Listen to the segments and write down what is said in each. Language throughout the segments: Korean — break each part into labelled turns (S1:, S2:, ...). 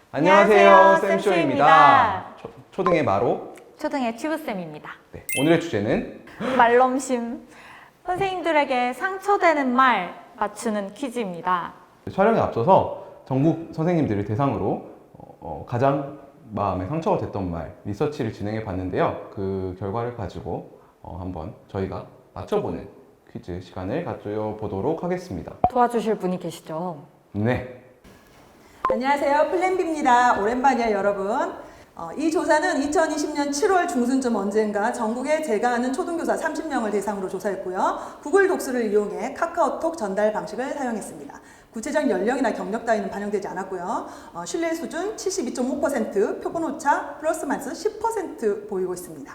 S1: 안녕하세요, 쌤쇼입니다. 초등의 마로,
S2: 초등의 튜브쌤입니다.
S1: 네, 오늘의 주제는
S2: 말넘심. 선생님들에게 상처되는 말 맞추는 퀴즈입니다.
S1: 촬영에 앞서서 전국 선생님들을 대상으로 가장 마음에 상처가 됐던 말 리서치를 진행해 봤는데요. 그 결과를 가지고 한번 저희가 맞춰보는 퀴즈 시간을 가져보도록 하겠습니다.
S2: 도와주실 분이 계시죠?
S1: 네.
S3: 안녕하세요. 플랜비입니다. 오랜만이에요, 여러분. 이 조사는 2020년 7월 중순쯤 언젠가 전국에 제가 아는 초등교사 30명을 대상으로 조사했고요. 구글 독수를 이용해 카카오톡 전달 방식을 사용했습니다. 구체적 연령이나 경력 따위는 반영되지 않았고요. 신뢰 수준 72.5%, 표본 오차 플러스 마이너스 10% 보이고 있습니다.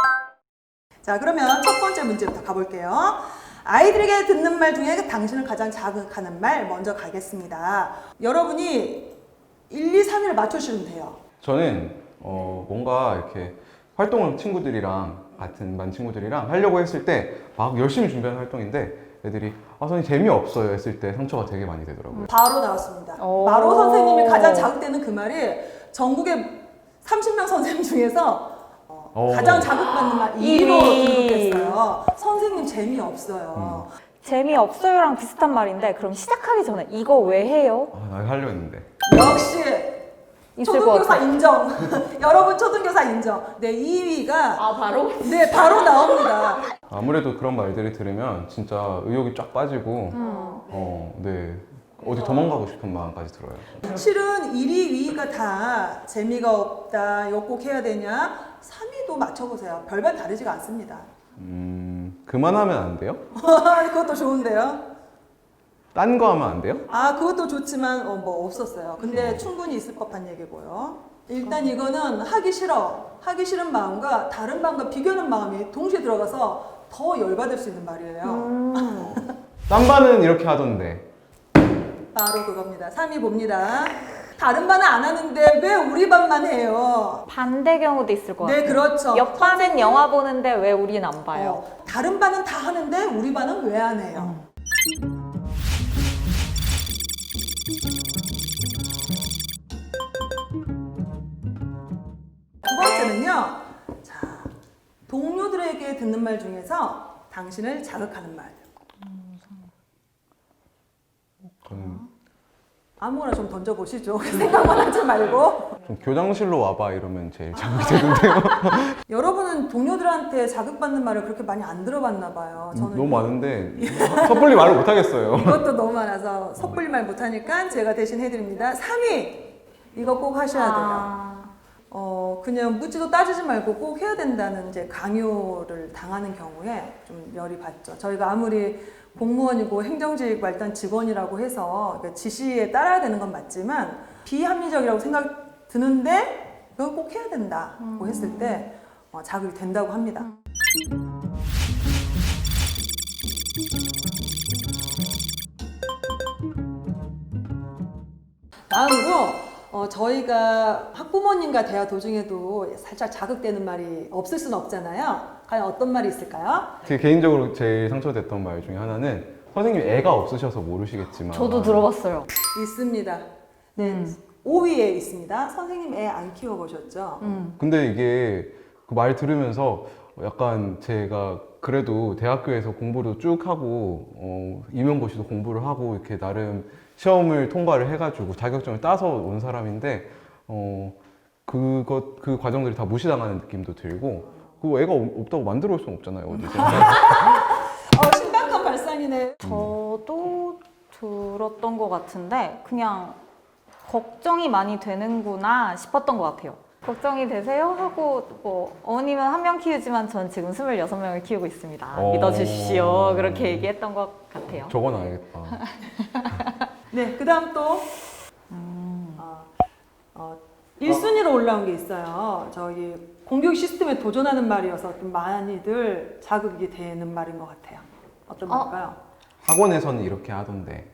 S3: 자, 그러면 첫 번째 문제부터 가볼게요. 아이들에게 듣는 말 중에 당신을 가장 자극하는 말 먼저 가겠습니다. 여러분이 1, 2, 3위를 맞추시면 돼요.
S1: 저는 뭔가 이렇게 활동을 친구들이랑 같은 반 친구들이랑 하려고 했을 때 막 열심히 준비하는 활동인데 애들이 선생님 재미없어요 했을 때 상처가 되게 많이 되더라고요.
S3: 바로 나왔습니다. 마로 선생님이 가장 자극되는 그 말이 전국의 30명 선생님 중에서 가장 자극받는 말 2위로 등록했어요. 선생님 재미없어요.
S2: 재미없어요랑 비슷한 말인데 그럼 시작하기 전에 이거 왜 해요?
S1: 나 하려 했는데.
S3: 역시
S2: 있을 것
S3: 초등교사
S2: 같아요.
S3: 인정. 여러분 초등교사 인정. 네, 2위가
S2: 바로?
S3: 네, 바로 나옵니다.
S1: 아무래도 그런 말들을 들으면 진짜 의욕이 쫙 빠지고 네. 어디 도망가고 싶은 마음까지 들어요.
S3: 실은 1위, 2위가 다 재미가 없다, 이거 꼭 해야 되냐? 3위도 맞춰보세요. 별반 다르지가 않습니다.
S1: 그만하면 안 돼요?
S3: 그것도 좋은데요?
S1: 딴 거 하면 안 돼요?
S3: 그것도 좋지만 뭐 없었어요. 근데 충분히 있을 법한 얘기고요. 일단 이거는 하기 싫은 마음과 다른 마음과 비교하는 마음이 동시에 들어가서 더 열받을 수 있는 말이에요.
S1: 딴 반은 이렇게 하던데.
S3: 바로 그겁니다. 3위 봅니다. 다른 반은 안 하는데 왜 우리 반만 해요?
S2: 반대 경우도 있을 것 같아요.
S3: 네, 그렇죠.
S2: 옆반은 영화 보는데 왜 우린 안 봐요?
S3: 다른 반은 다 하는데 우리 반은 왜 안 해요? 두 번째는요. 자, 동료들에게 듣는 말 중에서 당신을 자극하는 말. 아무거나 좀 던져보시죠. 생각만 하지 말고.
S1: 좀 교장실로 와봐 이러면 제일 자극이 되는데요.
S3: 여러분은 동료들한테 자극받는 말을 그렇게 많이 안 들어봤나 봐요. 저는
S1: 너무 많은데 섣불리 말을 못 하겠어요.
S3: 이것도 너무 많아서 섣불리 말 못하니까 제가 대신 해드립니다. 3위! 이거 꼭 하셔야 돼요. 그냥 묻지도 따지지 말고 꼭 해야 된다는 이제 강요를 당하는 경우에 좀 열이 받죠. 저희가 아무리 공무원이고 행정직 말단 직원이라고 해서 지시에 따라야 되는 건 맞지만 비합리적이라고 생각 드는데 그건 꼭 해야 된다고 했을 때 자극이 된다고 합니다. 다음으로 저희가 학부모님과 대화 도중에도 살짝 자극되는 말이 없을 수는 없잖아요. 과연 어떤 말이 있을까요?
S1: 제 개인적으로 제일 상처됐던 말 중에 하나는 선생님 애가 없으셔서 모르시겠지만
S2: 저도 들어봤어요.
S3: 있습니다. 네, 5위에 있습니다. 선생님 애 안 키워보셨죠?
S1: 근데 이게 그 말 들으면서 약간 제가 그래도 대학교에서 공부도 쭉 하고 임용고시도 공부를 하고 이렇게 나름 시험을 통과를 해가지고 자격증을 따서 온 사람인데 그 과정들이 다 무시당하는 느낌도 들고 그 애가 없다고 만들어 올 수는 없잖아요 어디서.
S3: 심각한 발상이네.
S2: 저도 들었던 것 같은데 그냥 걱정이 많이 되는구나 싶었던 것 같아요. 걱정이 되세요? 하고 뭐 어머님은 1명 키우지만 전 지금 26명을 키우고 있습니다. 믿어주십시오. 그렇게 얘기했던 것 같아요.
S1: 적어놔야겠다.
S3: 네, 그 다음 또 1순위로 올라온 게 있어요. 저희 공교육 시스템에 도전하는 말이어서 좀 많이들 자극이 되는 말인 것 같아요. 어떤 말일까요?
S1: 학원에서는 이렇게 하던데.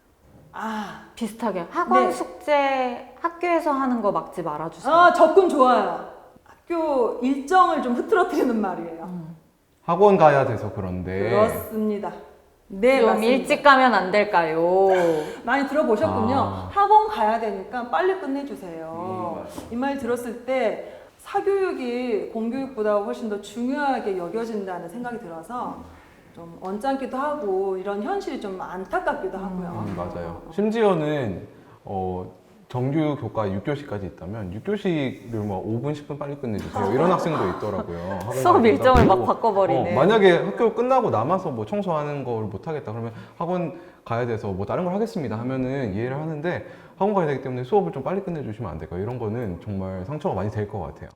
S2: 비슷하게 학원
S3: 네.
S2: 숙제 학교에서 하는 거 막지 말아주세요.
S3: 접근 좋아요. 학교 일정을 좀 흐트러뜨리는 말이에요.
S1: 학원 가야 돼서 그런데.
S3: 그렇습니다. 네,
S2: 좀
S3: 맞습니다.
S2: 일찍 가면 안 될까요?
S3: 많이 들어보셨군요.
S1: 아.
S3: 학원 가야 되니까 빨리 끝내주세요. 이 말 들었을 때 사교육이 공교육보다 훨씬 더 중요하게 여겨진다는 생각이 들어서 좀 언짢기도 하고 이런 현실이 좀 안타깝기도 하고요.
S1: 맞아요. 심지어는 정규 교과 6교시까지 있다면 6교시를 뭐 5분, 10분 빨리 끝내주세요. 이런 학생도 있더라고요. 학원
S2: 수업
S1: 가야
S2: 일정을
S1: 된다고.
S2: 막 바꿔버리네.
S1: 만약에 학교 끝나고 남아서 뭐 청소하는 걸 못 하겠다 그러면 학원 가야 돼서 뭐 다른 걸 하겠습니다 하면은 이해를 하는데 학원 가야 되기 때문에 수업을 좀 빨리 끝내주시면 안 될까요? 이런 거는 정말 상처가 많이 될 것 같아요.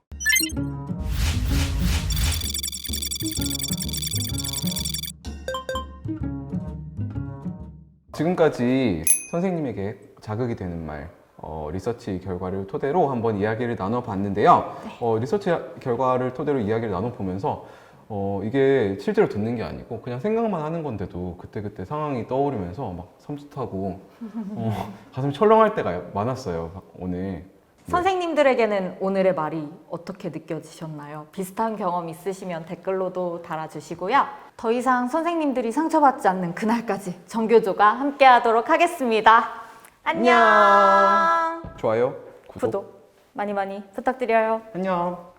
S1: 지금까지 선생님에게 자극이 되는 말, 리서치 결과를 토대로 한번 이야기를 나눠봤는데요. 리서치 결과를 토대로 이야기를 나눠보면서 이게 실제로 듣는 게 아니고 그냥 생각만 하는 건데도 그때그때 상황이 떠오르면서 막 섬찟하고 가슴이 철렁할 때가 많았어요, 오늘.
S2: 선생님들에게는 오늘의 말이 어떻게 느껴지셨나요? 비슷한 경험 있으시면 댓글로도 달아주시고요. 더 이상 선생님들이 상처받지 않는 그날까지 정교조가 함께하도록 하겠습니다. 안녕.
S1: 좋아요,
S2: 구독 많이 많이 부탁드려요.
S1: 안녕.